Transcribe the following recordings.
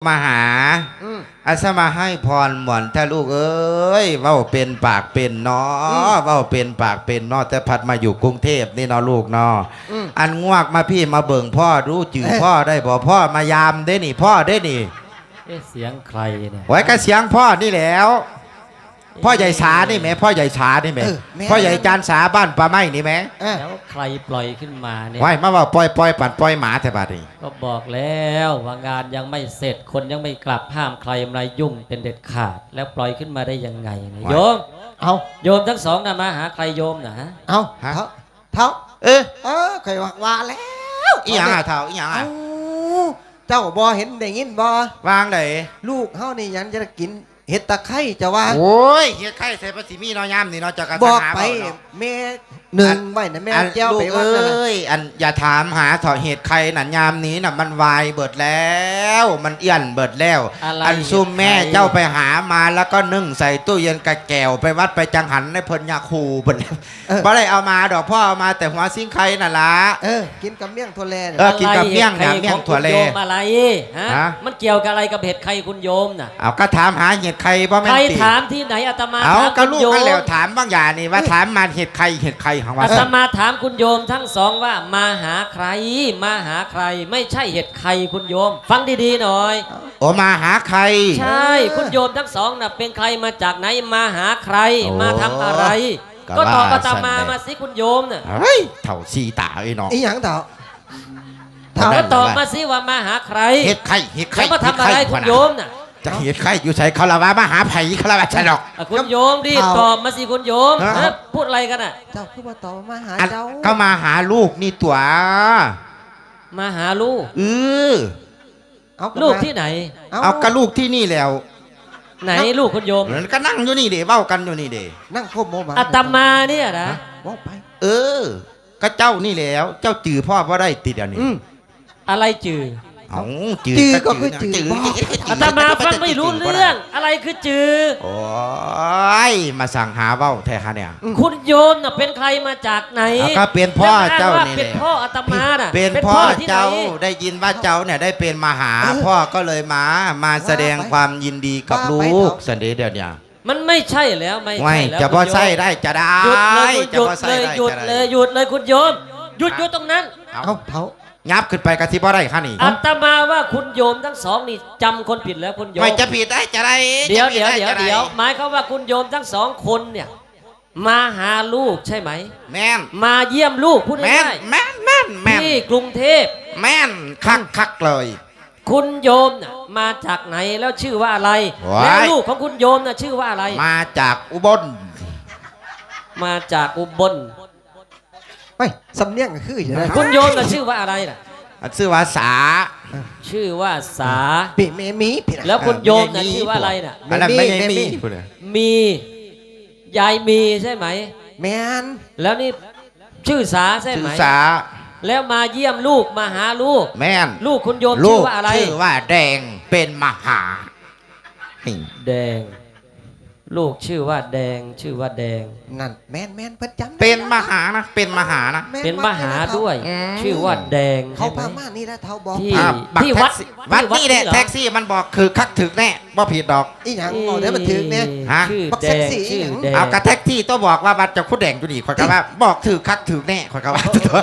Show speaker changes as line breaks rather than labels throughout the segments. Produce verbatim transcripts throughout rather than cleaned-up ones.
มาหาอาสมาให้พรหมอนถ้าลูกเอ้ยเว้าเป็นปากเป็นเนาะเว้าเป็นปากเป็นเนาะแต่พัดมาอยู่กรุงเทพนี่เนาะลูกเนาะอันงวกมาพี่มาเบิ่งพ่อรู้จื่อพ่อได้บ่พ่อมายามได้นี่พ่อได้นี่
เสียงใครเนี่ย
ไว้ก็เสียงพ่อนี่แล้วพ่อใหญ่สานี่ไหมพ่อใหญ่สานี่ไหมพ่อใหญ่จานสาบ้านปลาไม้นี่ไหม
แล้วใครปล่อยขึ้นมาเนี่ย
ไว้มาว่าปล่อยปล่อยปัดปล่อยหมาแต่บาดนี้
ก็บอกแล้วว่างานยังไม่เสร็จคนยังไม่กลับห้ามใครมายุ่งเป็นเด็ดขาดแล้วปล่อยขึ้นมาได้ยังไงโยม
เอา
โยมทั้งสองนะมาหาใครโยมนะฮะ
เอาเท้าเท้า
เออ
เออเคยว่าว่าแล้ว
อีหยังอ่ะเท้าอีหยังอ่ะ
เจ้าบ่เห็นได้ยินบ่
วางไหน
ลูกเฮานี่ยันจะกินเห็ดตะไคร้จะว่า
โอ้ยเห็ดไข่ใส่ภาษีมีน้อยย่ำนี่เนาะจะกระ
บอกไปแม่หนึ่งไว้นะแม่เจ้าไป
ว่าเอ้ยอันอย่าถามหาถอเห็ดไข่หนันยามนี้น่ะมันวายเบิดแล้วมันเอี้ยนเบิดแล้วอันซุ่มแม่เจ้าไปหามาแล้วก็นึ่งใส่ตู้เย็นกะแก้วไปวัดไปจังหันในเพิ่นยาคูเบิดแล้วบ่ได้เอามาดอกพ่อเอามาแต่หัวซิ่งไข่น่ะล่ะ
เออกินกับเมี่ยงถั่วแล
เออกินกับเมี่ยงเนี่ยเมี่ยงถั่วแล
อะไรฮะมันเกี่ยวกับอะไรกับเห็ดไข่คุณโยมน่ะ
เอาก็ถามหาเห็ดไข่บ่แม่นติ
ใครถามที่ไหนอาตมา
เอาก็ลูกกันแล้วถามบางอย่างนี่ว่าถามมาเห็ดไข่เห็ดไข่ของว่า
อาตมาถามคุณโยมทั้งสองว่ามาหาใครมาหาใครไม่ใช่เห็ดไข่คุณโยมฟังดีๆหน่อย
โอ้มาหาใคร
ใช่คุณโยมทั้งสองน่ะเป็นใครมาจากไหนมาหาใครมาทำอะไรก็ตอบอาตมามาสิคุณโยมน่ะ
เฮ้ยเถ่าซีตาไอ้น้อง
ไอ้หยังเถ่า
เถ่าตอบมาสิว่ามาหาใคร
เห็ดไข่เห็ดไข่
มาทำอะไรคุณโยมน่ะ
จะเห็ดไข่อยู่ใส่คาราวะมาหาไผ่คาราวะใช่หรอก
คุณโยมดิตอบมาสิคุณโยมพูดอะไรกันอ่ะ
เจ้าคือว่าตอบมาหาเจ้า
ก็มาหาลูกนี่ตัว
มาหาลูก
เออ
ลูกที่ไหน
เอากระลูกที่นี่แล้ว
ไหนลูกคุณโยม
ก็นั่งอยู่นี่เดี๋ยวเบ้ากันอยู่นี่เดี๋ยว
นั่งโคบโมมา
อาตมาเนี่ยนะ
ว่าไป
เออก็เจ้านี่แล้วเจ้าจื่อพ่อว่าได้ติดเดี๋ยวนี้
อะไรจื่อ
อ๋อ
จื่อก็คือจื่อ
อาตมาฟังไม่รู้เรื่องอะไรคือจื่อ
โอ้ยมาสั่งหาเบ้าแท้ฮะเนี่ย
คุณโยมน่ะเป็นใครมาจากไหน
ก็เป็นพ่อเจ้านี่
เป็นพ่ออาตมาน่ะ
เป็นพ่อเจ้าได้ยินว่าเจ้าเนี่ยได้เป็นมาหาพ่อก็เลยมามาแสดงความยินดีกับลูกสันเดย์เดี๋ยวนี้
มันไม่ใช่แล้วไม่ใช่แล้ว
จะพอใส่ได้จะได้
หยุดเลยหยุดเลยหยุดเลยหยุดเลยคุณโยมหยุดหยุดตรงนั้น
เอาเท้า
ยับขึ้นไปกระซิบว่าได้ข้านี่
อาตมาว่าคุณโยมทั้งสองนี่จำคนผิดแล้วคุณโยม
ไม่จะผิดได้จะได้
เดี๋ยวเดี๋ยวเดี๋ยวเดี๋ยวหมายเขาว่าคุณโยมทั้งสองคนเนี่ยมาหาลูกใช่ไหม
แม่น
มาเยี่ยมลูกพูดง่าย
แม่นแม่นแม่น
ที่กรุงเทพ
แม่นคักคักเลย
คุณโยมน่ะมาจากไหนแล้วชื่อว่าอะไรแล้วลูกของคุณโยมน่ะชื่อว่าอะไร
มาจากอุบล
มาจากอุบล
ไม่สำเนียงก็คืออย่างนั้น
คุณโยมน่ะชื่อว่าอะไรน่ะ
ชื่อว่าสา
ชื่อว่าสา
ปีเมมี
แล้วคุณโยมน่ะชื่อว่าอะไรน่ะ
อันนั้นไม่มี
มียายมีใช่ไหม
แมน
แล้วนี่ชื่อสาใช่ไหม
ชื่อสา
แล้วมาเยี่ยมลูกมาหาลูก
แม่น
ลูกคุณโยมชื่อว่าอะไร
ชื่อว่าแดงเป็นมหา
แดงลูกชื่อว่าแดงชื่อว่าแดง
นั่นแมนแมนประจำ
เป็นมหานะเป็นมหานะ
เป็นมหาด้วยชื่อว่าแดง
เขาพามานี่แล้วเท่าบอก
ที่ที่วัด
วัดนี่แหละแท็กซี่มันบอกคือคักถึกแน่บ่ผิดดอก
อีหยังบอกได้มันถึกเนี่ย
ฮะ
บอกแดงชื่อแดง
เอากระแท็กซี่ต้องบอกว่าวัดจะคุดแดงอยู่นี่คอยกว่าบอกถือคักถึกแน่คอยกว่า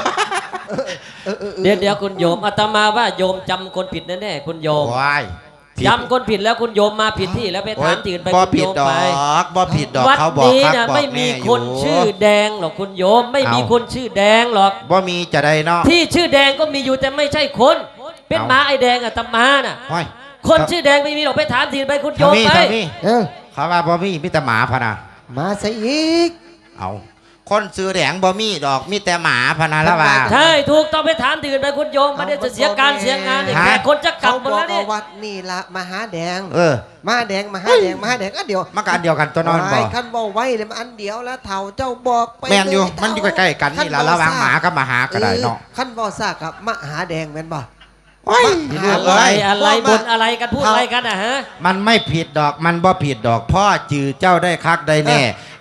เดี๋ยวเดี๋ยวคุณโยมอาตมาว่าโยมจำคนผิดแน่ๆคุณโยมจำคนผิดแล้วคุณโยมมาผิดที่แล้วไปถามที่อื่นไปคุณโยมไป
บ่ผิดดอก
วัดนี้นะไม่มีคนชื่อแดงหรอกคุณโยมไม่มีคนชื่อแดงหรอก
บ่มีจะได้เนาะ
ที่ชื่อแดงก็มีอยู่แต่ไม่ใช่คนเป็นม้าไอแดงอาตมาน่ะคนชื่อแดงไม่มีหรอกไปถามที่อื่นไปคุณโยมไป
เขาว่าบ่มีมีแต่หมาพะนะ
มาซะอีก
เอาคนซื้อแดงบ่มีดอกมีแต่หมาพนาละว่า
ใช่ถูกต้องไปถามตื่นไปคุณโยมมาเดี๋ยวจะเสียการเสียงานแขกคนจะกลับหมดแล้วนี่
วัดนี่ละมหาแดง
เออ
มหาแดงมหาแดงมหาแดงอันเดียว
มันก็อันเดียวกันตัวนอนบ่
ขั้นบ่ไว้เลยมันอันเดียวแล้วเถ่าเจ้าบอก
ไปแม่นอยู่มันอยู่ใกล้ๆกันนี่ละระหว่างหมากับมหาก็ได้เนาะ
ขั้นบ่ซากกับมหาแดงแม่นบ่
อะไรอะไรบนอะไรกันพูดอะไรกันอ่ะฮะ
มันไม่ผิดดอกมันบ่ผิดดอกพ่อจือเจ้าได้คักได้แน่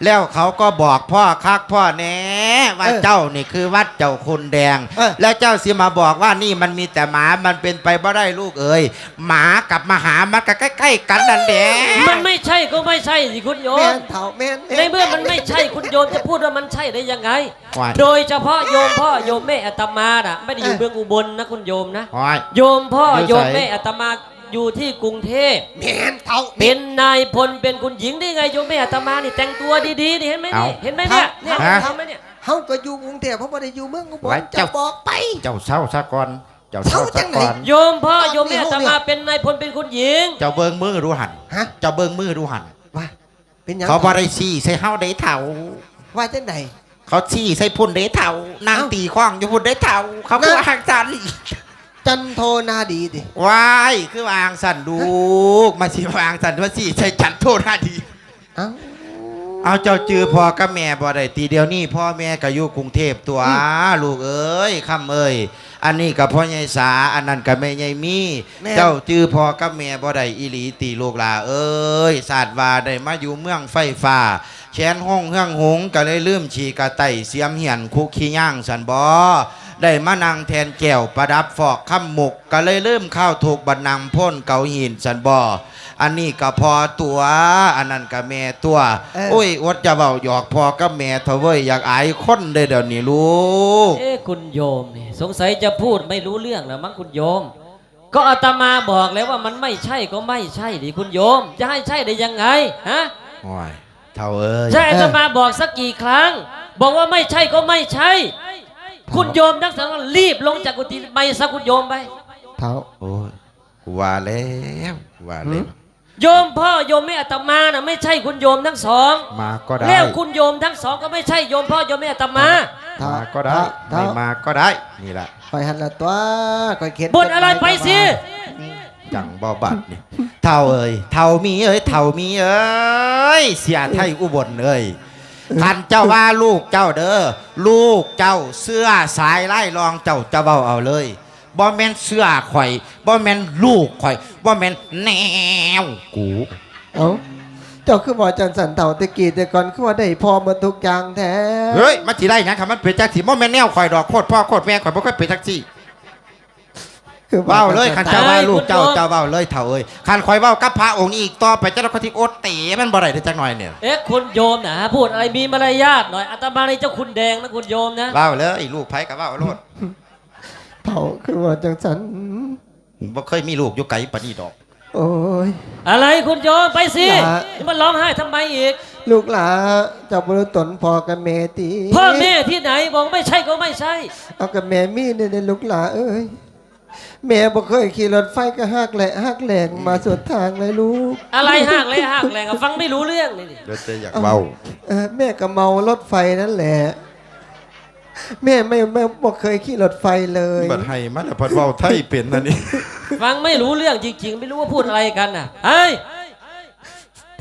แล้วเขาก็บอกพ่อคักพ่อแน่ว่า
เออ
เจ้านี่คือวัดเจ้าคุณแดง
เออ
แล้วเจ้าสิมาบอกว่านี่มันมีแต่หมามันเป็นไปบ่ได้ลูกเอ๋ยหมากับมหามันก็ใกล้ๆกันนั่นแหละ
มันไม่ใช่ก็ไม่ใช่สิคุณโย
แม่
ม
นเฒ่าแม่น
ในเมื่อมันไม่ใช่คุณโยมจะพูดว่ามันใช่ได้ยังไง
ว่า
โดยเฉพาะโยมพ่อโยมแม่อาตมาน่ะไม่ได้อยู่เมืองอุบลนะคุณโยมนะ
โอ้ย
โยมพ่อ
อยู่
โยม
ไส
แม่อาตมาอยู่ที่กรุงเทพ
แม่นเฒ่า
เป็นนายพลเป็นคุณหญิงได้ไงโยมแม่อาตมานี่แต่งตัวดีๆนี่เห็นไหมนี่เห็นไหมเนี่ยเนี่ย
ฮะ
ทำไหมเนี่ย
เฮาก็อยู่กรุงเทพเพราะบ่ได้อยู่เมืองอุบล
ไว้
จะ
เจ้า
บอกไป
เจ้าเศร้าซะก่อนเจ้าเศร้า
เศร้าจั
ซะ
งไหน
ก่อน
โยมพ่อโยมแม่อาตมาเป็นนายพลเป็นคุณหญิง
เจ้าเบิ่งมือดูหัน
ฮะ
เจ้าเบิ่งมือดูหัน
ว่าเป็นหยัง
เขาบ่ได้ชี้ใส่เฮาได้เท่า
ว่าจังได
เขาชี้ใส่พุ่นได้เท่านาง
เอ้า
ตีข้องอยู่พุ่นได้เท่าเขา
นั่
คื
น
อวางสัน
จันโทนาดีดิ
วายคือวางสันลูกมาสิวางสันว่าสิใช่จันโทษหน้าดี
เอ้า
เอาเจ้าจือพ่อกับแม่บ่ได้ตีเดียวนี่พ่อแม่ก็อยู่กรุงเทพตัว
อืม
ลูกเอ้ยคำเอ้ยอันนี้กับพ่อใหญ่สาอันนั้นกับแม่ใหญ่มี
แม่
เจ้าจือพ่อกับแม่บ่ได้อีหลีตีลูกหลาเอ้ยศาสตร์ว่าได้มาอยู่เมืองไฟฟ้าแชนห้องเฮืองหงก็เลยลืมฉีกระไตเสียมเหียนคุกขี้ย่างสันบ่ได้มานั่งแทนแก้วประดับฟอกคำหมกก็เลยลืมข้าวถูกบันนังพ่นเกาหินสันบ่อันนี้ก็พอตัวอันนั้นก็แม่ตัว
เออ
โอ้ยอดจะเบาหยอกพ่อกับแม่เถอะเว้ยอยากอายคนเด้อเดี๋ยวนี้ลูก
เอ๊ะคุณโยมนี่สงสัยจะพูดไม่รู้เรื่องแล้วมั้งคุณโยม ก็อาตมาบอกแล้วว่ามันไม่ใช่ก็ไม่ใช่ดิคุณโยม จะให้ใช่ได้ยังไงฮะ
โอ้ยเท่าเอ้ย
ใช่อาตมาบอกสักกี่ครั้ง บอกว่าไม่ใช่ก็ไม่ใช่ คุณโยมนักสังฆรีบลงจากกุฏิไปซะคุณโยมไป
เฒ่า
โอ้ยกูว่าแล้วกูว่าแล้ว
โยมพ่อโยมแม่อาตมาน่ะไม่ใช่คุณโยมทั้งสอง
มาก็ได้
แล้วคุณโยมทั้งสองก็ไม่ใช่โยมพ่อโยมแม่อาตมา
เฒ่า
มาก็ได้
เฒ่า
ไม่มาก็ได้นี่แหละ
คอยหันละตัวคอยเข็น
บ่นอะไรไปสิ
จังบ่บัดนี่เท่าเอ้ยเท่ามีเอ้ยเท่ามีเอ้ยเสียไทยอุบลเอ้ยคันเจ้าว่าลูกเจ้าเด้อลูกเจ้าเสื้อสายไล่รองเจ้าจะเบาเอาเลยบ่แม่นเสื้อข่อยบ่แม่นลูกข่อยบ่แม่นแนวกู
เอ้าเจ้าคือบอกจันสันเฒ่าตะกี้แต่ก่อนคือว่าได้พอหมาทุกอย่างแท้
เฮ้ยมันสิได้หยังคันมันเป็นจักสิบ่แม่นแนวข่อยดอกโคตรพ่อโคตรแม่ข่อยบ่เคยเป็นจักสิ
คือ
เว้าเลยคัน
จั
เจ้า
สั
ว่า
เอ้ย
ลูกเจ้า
คุณโยม
เจ้าเว้าเลยเถ่าเอ้ยคันข่อยเว้ากับพระองค์นี้อีกต่อไปเจ้าคนที่โอดเตะมันบ่ได้เด้อจักหน่อยเนี่ย
เอ๊ะคุณโยมนะพูดอะไรมีมารยาทหน่อยอาตมาในเจ้าคุณแดงนะคุณโยมนะ
เว้าเลยลูกไผก็เว้าโลด
เฒ่าคือว่าจังสัน
บ่เคยมีลูกอยู่ไกลปานนี้ดอก
โอ้ย
อะไรคุณโยมไปสิ
อย่า
นี่มันร้องไห้ทำไมอีก
ลูกหลาเจ้าบรุตนพอกับแม่ตี
พ่อแม่ที่ไหนบอกไม่ใช่ก็ไม่ใช่
เอากับแม่มีเนี่ยเด้อลูกหลาเอ้ยแม่บ่เคยขี่รถไฟก็หักแหละหักแหลงมาสุดทางเลยลูก
อะไรห่างเลยห่างแรงอะฟังไม่รู้เรื่องนี่ดิ
เดี๋ยวจะอยากเว้า
เออแม่ก็เมารถไฟนั่นแหละ แม่ไม่ไม่บ่เคยขี่รถไฟเลย
บัดให้มันน่ะเพิ่นเว้าไทยเป็นนั่นนี่
ฟังไม่รู้เรื่องจริง ๆ ไม่รู้ว่าพูดอะไรกันน่ะเฮ้ย